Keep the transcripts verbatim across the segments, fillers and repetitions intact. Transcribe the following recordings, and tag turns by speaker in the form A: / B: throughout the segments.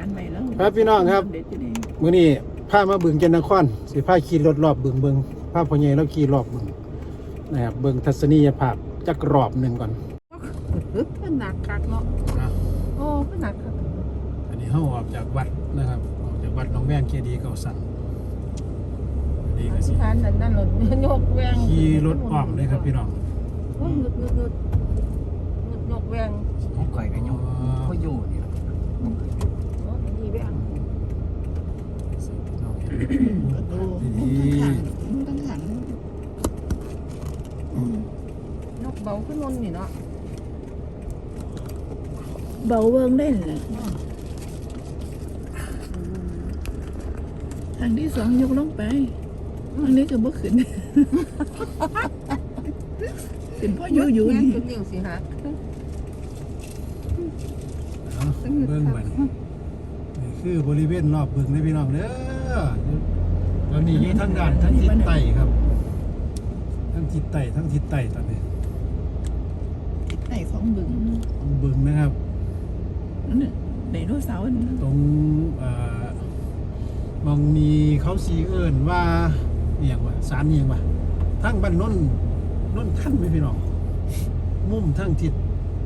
A: ใหม่แล้ว
B: ครับพี่น้องครับมื้อนี้พามาบึงจันทนครสิพาขี่รถรอบบึงเบิงพาพ่อใหญ่แล้วขี่รอบบึงนะครับเบิงทัศนียภาพจักรอบหนึ่งก่อน
A: ก็หนักคักเนาะโอ้ก็หนักคัก
B: อันนี้เฮาออกจากวัดนะครับออกจากวัดหนองแวงเจดีย์เก่าสั่งนี่ก็สิ
A: ทานนั่นนั่นรถยกแวง
B: ขี่รถอ้อมเลยครับพี่น้อง
A: โอ้งึดงึดงึดงึดยกแวง
C: ของข่อยก็ยกเขาอยู่นี่ล่ะ
A: โอ้ดีแวง
B: ดู
A: ดีตั้งหลังยกเบาขึ้นนนนี่เนาะเบาเวิงได้เลยทางที่สองยกลงไปทางนี้ก็บ่ขึ้นเป็นพ่ออยู่อยู่นี่นิ้วสิฮะ
B: เบิ่งบัดนี่คือบริเวณรอบบึงนี่พี่น้องเด้อแล้วนี่ทั้งด้านทั้งทิศใต้ครับทั้งทิศใต้ทั้งทิศใต้ตอนนี้
A: ทิศใต้ของบึง
B: บึงนะครับ
A: นี่ไดโนเสาร์
B: ตรงมองมีเขาสีเอิญว่าเอียงว่าสารเอียงว่าทั้งบ้านน้นน้นท่านไม่พี่น้องมุมทั้งทิศ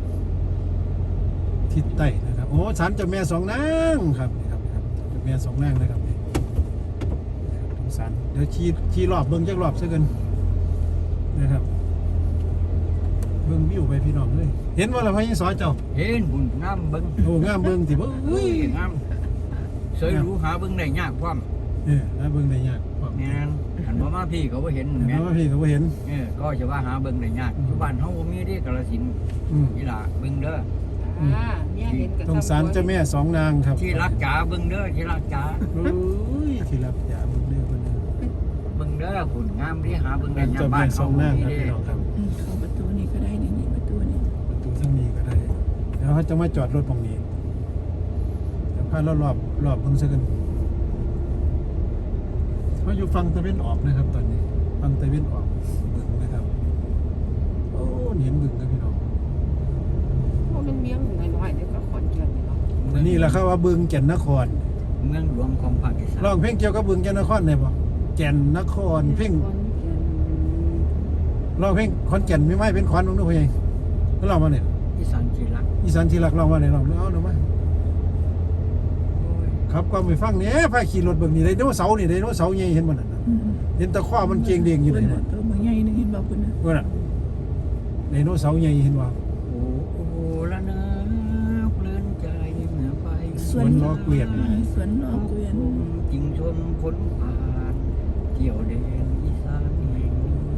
B: ทิศใต้นะครับโอ้สารเจ้าแม่สองนางครับครับครับเจ้าแม่สองนางนะครับนี่ตรงสารเดี๋ยวชี้ชี้รอบเบิ้งจักรอบซะกันนะครับเบิ้งวิวไปพี่น้องเลยเห็นว่าเราพายสอเจ้า
C: เห็นบุญงามเบิ้ง
B: โอ้งามเบิ้งสิบ่
C: เฮ้ยงามสวยรู้หาเบิ้งได้ยากพร้อม
B: เออหาเบิ้งได้ยากพร้อม
C: แม่นอันบ่มาพี่ก็บ่เห็น
B: แม่นบ่มาพี่ก็บ่เห็น
C: เออก็จะว่าหาเบิ้งได้ยากอยู่บ้านเฮาบ่มีเด้กาฬสินธุ์นี่ล่ะเบิ้งเด้อ
A: อ่าเนี่ยเห็นกับ
B: ตรงศาลเจ้าแม่สองนางครับ
C: ที่รักจ๋าเบิ้งเด้อที่รักจ๋า
B: โอ้ยที่รักจ๋าเบิ้งเด้อเพิ่น
C: เบิ้งเด้อหุ่นงามที่หาเบิ้งได้ยาก
B: บ้านสองนางครับพี่น้องครับ
A: เข้าประตูนี้ก็ได้นี่นี่ประตูนี้
B: ประตูทางนี้ก็ได้แล้วเขาจะมาจอดรถตรงนี้เดี๋ยวพาเรารอบรอบเบิ่งซะกันเขาอยู่ฝั่งตะเวนออกนะครับตอนนี้ฝั่งตะเวนออกบึงนะครับโอ้เห็นบึงครับพี่น้อง
A: เพราะมันเมียงน้อยๆเดี๋ยวก็ขอนแก่นเนาะ
B: นี่แหละครับว่าบึงแก่นนคร
C: เมืองหลวงของภาคอีสาน
B: ร้องเพลงเกี่ยวกับบึงแก่นนครได้บ่แก่นนครเพลงร้องเพลงขอนแก่นไม่ไม่เป็นขอนของนู้นพ่อใหญ่ก็ร้องมาเนี่ย
C: อีสานที่รัก
B: อีสานที่รักร้องมาเนี่ยร้องเอาหน่อยมาครับก็ไปฟังเนี่ยพาขี่รถเบิ่งนี่ไดโนเสาร์นี่ไดโนเสาร์ใหญ่เห็นบ่นั่นน่ะเห็นตะขว้ามันเก่งเด้งอยู่นี่
A: ตัวมันใหญ่นึงเห็นบ่คุณนะ
B: ว่าน่ะไดโนเสาร์ใหญ่เห็นบ่
C: โอ้โอ้ละนะเพลินใจเมื่อไป
B: สวนล้อเกวียน
A: สวนล้อเกวียน
C: จิงชนพ้นผ่านเที่ยวแดนอีสานแห่ง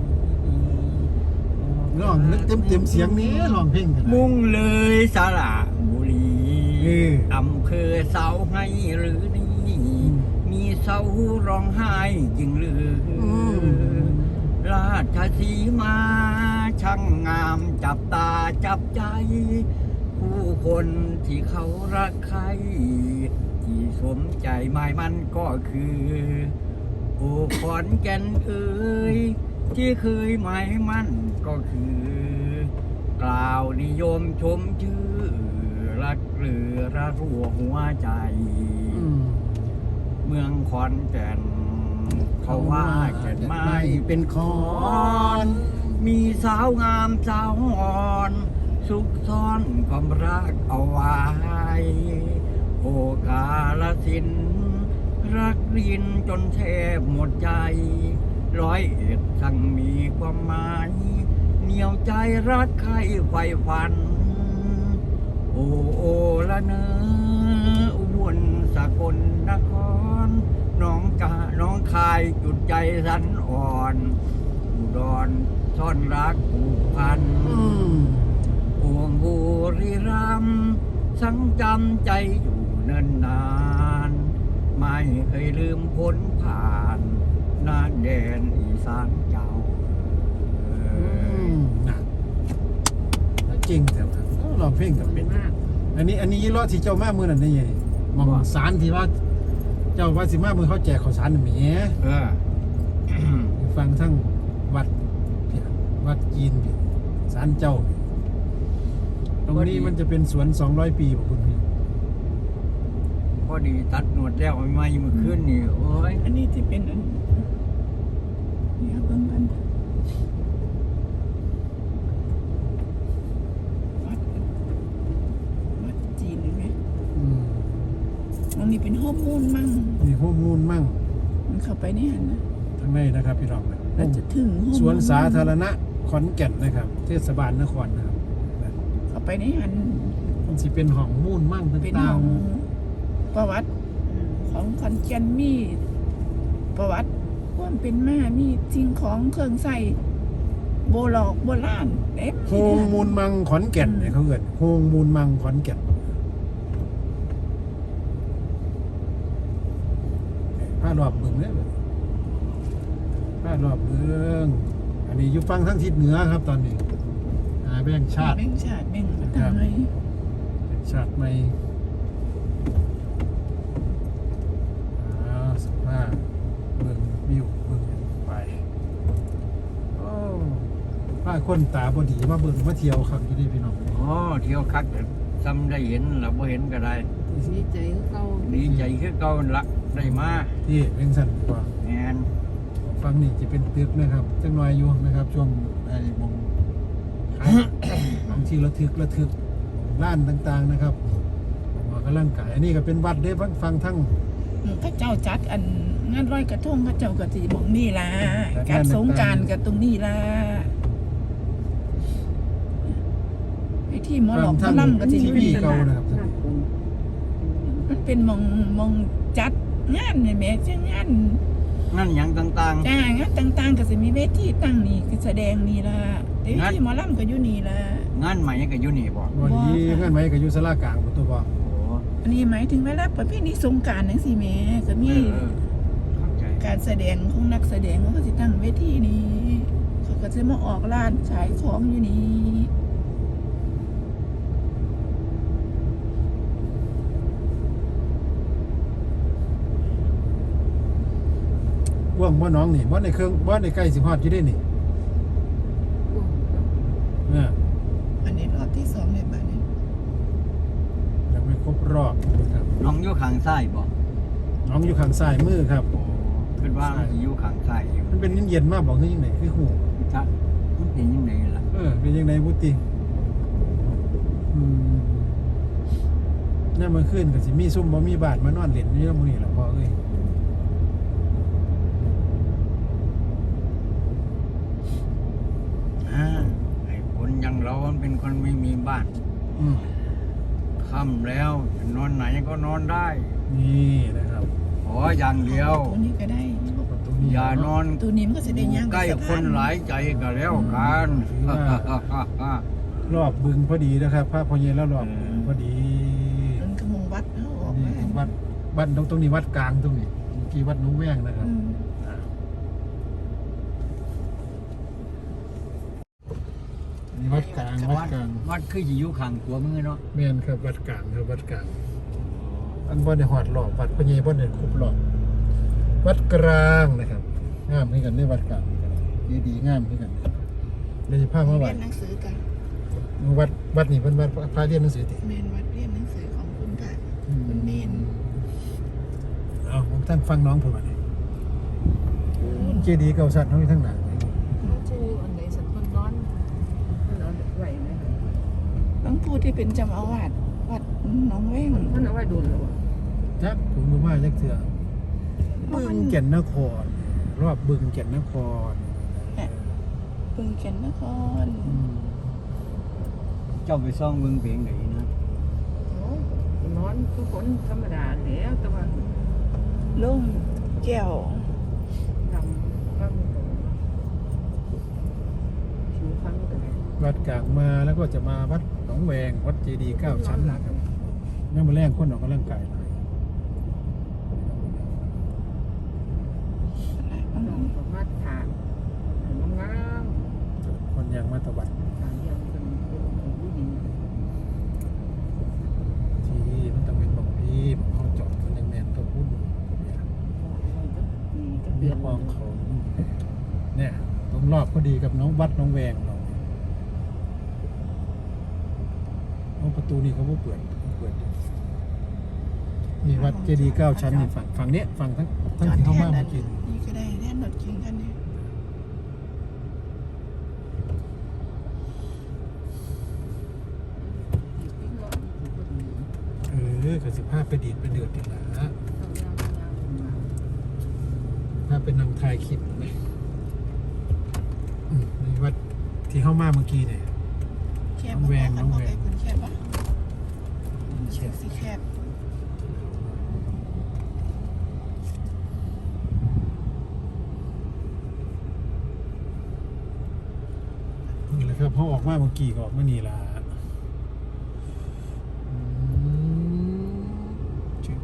C: นี้
B: ร้องนึกเต็มๆเสียงนี้ร้องเพลงกัน
C: มุ่งเลยสระบุรีอำเภอเสาให้หรือนี่มีเสาร้องไห้จริงหรือราชสีมาช่างงามจับตาจับใจผู้คนที่เขารักใครที่สมใจหมายมันก็คือโอ้ขอนแก่นเอ่ยที่เคยหมายมันก็คือกล่าวนิยมชมชื่อรักเรือระรัวหัวใจเมืองขอนแก่นเขาว่าแก่นไม้เป็นขอนมีสาวงามสาวอ่อนสุขซ่อนความรักเอาไว้โอกาลสินรักรินจนแทบหมดใจร้อยเอ็ดช่างมีความหมายเหนียวใจรักใครไฟฝันโอ้โอละเนออุบลสกลนครน้องกาน้องคายจุดใจสันอ่อนอุดรซ่อนรักผูกพันโอ่งบุรีรัมย์สังจำใจอยู่เนิ่นนานไม่เคยลืมพ้นผ่านนาแดนอีสานเจ้า
B: จริงแต่ร้องเพลงกับเป็นอันนี้อันนี้ยี่ล้อที่เจ้ามามือนั่นนี่ไงมองสารที่ว่าเจ้าว่าสิมามือเขาแจกข้าวสารหมี
C: เออ
B: ฟังทั้งวัดวัดจีนสารเจ้าตรงนี้มันจะเป็นสวนสองร้อยปีของคุณพี่
C: พออดีตัดหนวดแล้วไม่มาเมื่อคืนนี่โอ้ย
D: อันนี้ที่เป็นอันนี่ครับเบิ่งกันวัดวัดจีนเห็นไหม
B: อืม
D: ตรงนี้เป็นฮอร์โมนมั่ง
B: มีข้อมูลมั่ง
D: มันเข้าไปในหันนะ
B: ทางในนะครับพี่น้องนะ
D: เราจะถึงฮอร์โมน
B: สวนสาธารณะขอนแก่นนะครับ เทศบาลนครนะครับ
D: เข้าไปในหัน
B: มันสิเป็นห้องมูลมั่ง
D: เป็น
B: ต่า
D: ของ งประวัติของขอนแก่นมีประวัติความเป็นมามีสิ่งของเครื่องใส่โบราณโบราณเต็ม
B: ๆโฮงมูลมังขอนแก่นเนี่ยเขาเกิดโฮงมูลมังขอนแก่นผ้ารอบเมืองเนี่ยผ้ารอบเมืองอันนี้อยู่ฟังทั้งทิศเหนือครับตอนนี้อ่าแบ่งชาติ
D: แบ่งชาติแบ่งมาทำไม
B: แบ่งชาติไม่อ่าสภาพเมืองวิวเมืองไปโอ้ผ้าคนตาบอดีมาเบิ่งมาเที่ยวครับอยู่นี่พี่น้อง
C: อ๋อเที่ยวคักแต่ซ้ำได้เห็นแล้วบ่เห็นก็ได้
A: ดีใจคือเก่า
C: ดีใจคือเก่าละได้มา
B: ที่เวียงสันกว่า
C: แมน
B: ฟังนี่จะเป็นตึกนะครับจังน้อยอยู่นะครับ ช่วงไอ้มองขาย บางที่ระทึกระทึกร้านต่างๆนะครับออกกำลังกายอันนี้ก็เป็นวัดเด้ฟังฟังทั้ง
D: พระเจ้าจัดอันงานลอยกระทงพระเจ้าก็สิบอกนี่ล่ะ
B: จัดงาน
D: การสงกรารกับตรงนี้ล่ะไอ้ที่หมอหล
B: ฟั
D: อง กหม
B: ทั้
D: อง ลำก็สิ
B: ที
D: อยู่
B: วี
D: นี่
B: เก่า
D: ล่ะ
B: นะครับ
D: มันเป็นหมองหมองจัดงานเนี่ยแหม่จังงาน
C: นั่นหยังต่าง
D: จ้างานต่างๆก็สิมีเวทีตั้งนี่คือแสดงนี่ล่ะแต่เวทีหมอลำก็อยู่นี่ล่ะ
C: ๆงานใหม่ก็อยู่นี่บ่
B: วันนี้
D: บ่ค่ะ
B: งานไหมก็อยู่สลากลางตัวบ่
C: โอ้
D: อันนี้หมายถึงเวลาประเพณีสงกรานต์จังซี่แหม่ก็
C: เอ
D: มี
C: อเออเข้าใจ
D: การแสดงของนักแสดงเขาก็จะตั้งเวทีนี้เขาก็จะมาออกร้านขายของอยู่นี่
B: ว่างบ่น้องนี่บ่ในเครื่องบ่ในใกล้สิฮอดอยู่ได้นี่เนี่ย
D: อันนี้รอบที่สองในบ้านนี้
B: ยังไม่ครบรอบนะครับ
C: น้องอยู่ข้างซ้ายบ่
B: น้องอยู่ข้างซ้ายมือครับ
C: โอ้คิดว่ามันสิอยู่ข้างซ้ายอยู่
B: มันเป็นเย็นๆมากบอกคือยังไงคือหู
C: จ้ะมันเป็นยังไงล่ะ
B: เออเป็นยังไงบุติอืมนี่มันขึ้นก็สิมีซุ่มบ่มีบาทมานอนเล่นนี่แล้วมื้อนี้ล่ะพ่อเอ้ย
C: อ่าไอ้คนอยังเรามันเป็นคนไม่มีบ้าน
B: อืม
C: ค่ำแล้วจะนอนไหนก็นอนได้
B: นี่นะครับ
C: ขออย่างเดียว
D: ตัวนี้ก็ได้
B: เอาประตูนี้
C: อย่านอน
D: ตัวนี้มันก็จะได้ย่าง
C: ใกล้
D: สะ
C: ค
D: พาน
C: หลายใจก็แล้วกัน
B: รอบบึงพอดีนะครับพระพอเย็นแล้วรอบบึงพอดี
D: มันก็มงวัดเขาออก
B: นี่
D: มา
B: วัดวัดตรงตรงนี้วัดกลางตรงนี้เมื่อกี้วัดหนุ่งแว้งนะครับ
D: อืม
B: นี่วัดกลางวัดกลาง
C: วัดคือสิอยู่ข้างตัวมือเนาะ
B: แม่นครับวัดกลางครับวัดกลางอันบ่ได้หอดรอบวัดพอเย็นบ่ได้ครบรอบวัดกลางนะครับงามขึ้นกันในวัดกลางนี่กันดีดีๆงามขึ้นกันเดี๋ยวจะพามาวั
D: เรีย
B: ด
D: นหนังสือกัน
B: วัดวัดนี่เป็นวัดพระเรียนหนังสือติ
D: เมนวัดเรียนหนังสือของคุณค่ะคุณเมน
B: เอาผมท่านฟังน้องผมมาเนี่ยเจดีย์เก่าสัตว์น้องอยู่ทั้งหลัง
A: เขาชื่ออันไหนสันคนนอนมันเอาไว้ไหม
D: หลวงปู่ที่เป็นเจ้าอาวาสวัดหนองแว้ง
A: มันเอาไว้โดนแล้วอะ
B: จักผมมือมาจักเถื่อบึงแก่นนคร รอบบึงแก่นนคร
D: ปึงแก่นนคร
B: อืม
C: เจ้าไปซ่องเบิ่งเพียงไหนนะ
A: โอ้นอนทุกคนธรรมดาแล้วแต่ว่า
D: ล่มแก้ว
A: ดำก็มีตรงผิวพันธุ์ก็ได้
B: วัดกลางมาแล้วก็จะมาวัดหนองแวงวัดเจดีย์เก้าชั้นนะครับยังมาแรงคนออกกำลังกายหลาย
A: น้องก็มาถามน้องงาม
B: คนยังมาตะวัน
A: ถามยังเป็นเป็นผู้หญิง
B: ที่มันต้องเป็นบอกพี่บอกเขาจอดมันยังแมนตัวพุ่นเนี่ย
A: มีก็เป
B: มี
A: ลี่ยน
B: คลองเขาเนี่ยตรงรอบพอดีกับน้องวัดน้องแวงเราเอาประตูนี่เขาก็เปิดเปิดอยู่นี่วัดเจดีย์เก้าชั้นนี่ฝั่งฝั่งเนี้ยฝั่งทั้งทั้งที่เข้ามาเมื่อกี้
D: นี่ก็ได้แน่นรถเก๋งกันเนี่ย
B: เออกับสิบห้าไปดีดไปเดือดกันละถ้าเป็นนางทายคลิปเลยอืมในวัดที่เข้ามาเมื่อกี้เนี่ย
D: แคบ
B: น้องแวงน้องแวง
D: คนแคบปะเชือกสีแคบ
B: นี่แหละครับพอออกมาเมื่อกี้ก็ออกมานี่ละอืมจึ๊บ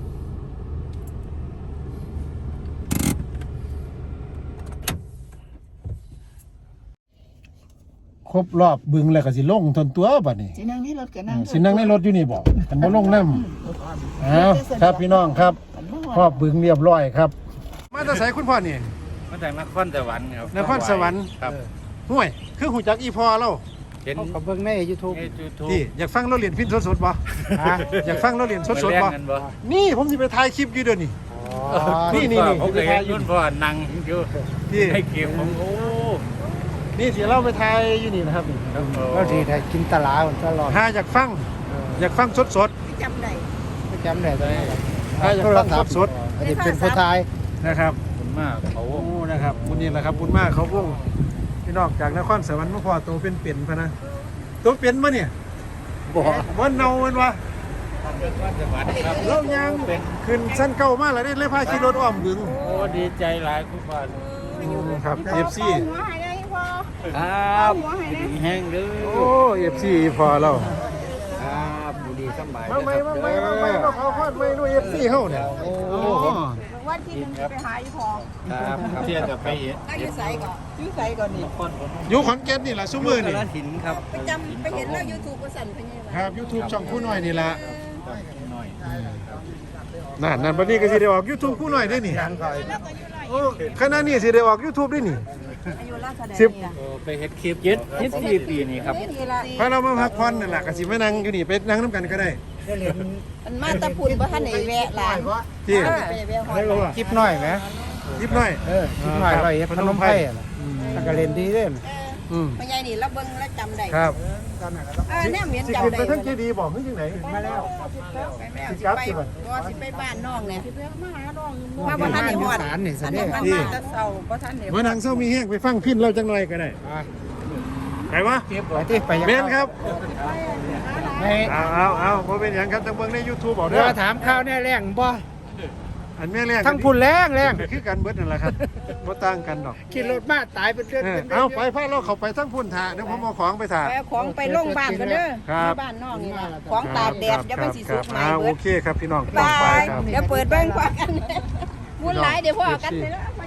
B: ครบรอบบึงแล้วก็สิลงทนตัวบัดนี้
D: สินั่งในรถกับนั่ง
B: สินั่งในรถอยู่นี่บอกกันบ่ลงน้ำอ้าวครับพี่น้องครับครอบบึงเรียบร้อยครับ มาแต่ไสคุณพ่อนี่
C: มาจากนครสวรรค์ครับ
B: นครสวรรค์
C: ครับ
B: ห่วยคือหูจักอีพอเรา
C: เห็น
E: เขาเบิ่งใน YouTube
C: ในยูทูบ
B: ที่อยากฟังเราเรียนพินสดๆบ่
E: ฮะ
B: อยากฟังเราเรียนสดๆบ่
C: มาแลกกันบ่
B: นี่ผมสิไปถ่ายคลิปอยู่เดี๋ยวนี้ นี่นี่นี่
C: ผมเคยเห็นรุ่นพ่อนั่งอยู่
B: ที่
C: ให้เก็บของโอ้
B: นี่สิเราไปถ่ายอยู่นี่นะครับนี่
E: ก็ทีไทยกินตลาดมันตลอด
B: ถ้าอยากฟังอยากฟังสด
D: จำได้
E: ไม่จำได้ตอนนี้
B: ๆถ้าอยากฟังสด
E: อันนี้เป็นผู้ชาย
B: ๆนะครับ
C: ขอบคุณมากเขา
B: โอ้นะครับบุญนี่แหละครับบุญมากเขาพวกพี่น้องจากนครสวรรค์มาพอตัวเป็นเปลี่ยนพะนะตัวเป็นมาเนี่ย
E: บ่
B: มันเนามันวะ
C: นครสวรรค์ครับ
B: เรายังขึ้นชั้นเก่ามากเลยได้เลยพาขี่รถอ้อมบึง
C: โอ้ดีใจหลายคุณพ่อ
B: ครับ เอฟ ซี
D: หัวหายได้พอ
C: ครับดีแห้งเด้อ
B: โอ้ เอฟ ซี พอเรา
C: ครับบุรีสบาย
B: มาไหมมาไหมมาไหมเราเขาคอดไหมด้วย เอฟ ซี เฮาเนี่ย
C: โอ้
B: โอ้
D: วันที่หนึ่งจะไปหาอีพอ
C: ครับเที่ยวกับไปเห็น
D: นั่งอยู่ใส่ก่อนอยู่ใส่ก่อนนี่
C: นครผม
B: อยู่ขอนแก่นนี่แหละซุมือนี่
C: กาฬสินธุ์ครับ
D: ไปจำไปเห็นแล้วยูทูบก็สั่นไปไงวะ
B: ครับ YouTube ช่องคู่หน่อยนี่แหละ
C: หน่อย
B: นั่นนั่นบัดนี้ก็สิได้ออก YouTube คู่หน่อยได้นี่โอ้ขณะนี้สิได้ออก YouTube ได้นี่
D: อายุราชแสดง
B: สิบ
D: นี่ล่ะ
C: โอ้ไปเฮ็ดคลิปเย็ดยี่สิบสี่ปีนี่ครับ
D: นี่ละ
B: พอเรามาพักผ่อนนั่นแหละก็สิมานั่งอยู่นี่ไปนั่งน้ำกันก็ได้
D: มันมาตะพุนบ่ทันได้แวะหลาน
B: ที่
D: ไปแวะหอด
E: คลิปน้อยไหม
B: ยิบหน่อย
E: เออคลิปน้อยร้อยเอ็ดพนมไพรอะแล้วก็เล่นดีเด้อ
B: อืม
D: พ่อใหญ่นี่เราเบิ่งแล้วจำได้
B: ครับ
D: เออแนมเห็น
B: สิ
D: จำ
B: ขึ้น
D: ได้
B: ไปทั้งเจดีย์บอกขึ้นจังไหน
D: มาแล้วไปแล้วสิไปบ่สิไปบ้านน้องเนี่ยมาหาน้องมาบ่ทันได้ฮอด
E: สารนี่
D: อั
E: ซะ
D: น
E: เด้
D: นี้
E: อ
D: มันมาแต่เช้าบ่ทันได้
B: เมื่อนางเศร้ามีแห้งไปฟังพินเราจังหน่อยก็ได้ไปวะ
E: ไปที่ไปยัง
B: เบนครับ
E: ไม่
B: เอาเอาเอาพอเป็นอย่างครับจังเบิ่งใน YouTube บอก
E: เดี๋
B: เด้
E: ยว
B: อ
E: มาถามข่าวแน่แรงบ่
B: อันแม่แรก
E: ทั้งพุ่นแรงแรง
B: คือกันเบิดนั่นแหละครับบ่ต่างกันดอก
E: ขี่รถมาตายเป็นเดือน
B: เออ
E: เป็นเดื
B: เอาไปพาเราเข้าไปทั้งพุ่นท่าเดี๋ยวผมเอาของไปท่า
D: ไปเอาของไปโรงพยาบาลกันเด้อ
B: ครับ
D: ที่บ้านน้องนี่ล่ะของตากแดดเดี๋ยวมันสิสุกไหม
B: อ่า
D: เบิ
B: โอ
D: ด
B: เคครับพี่น้อง
D: บา
B: ไป
D: ย
B: ครับ
D: เดี๋ยวเปิดเบิ่งกว่ากันมุ่นหลายเดี๋ยวพ่อกันเลยละไป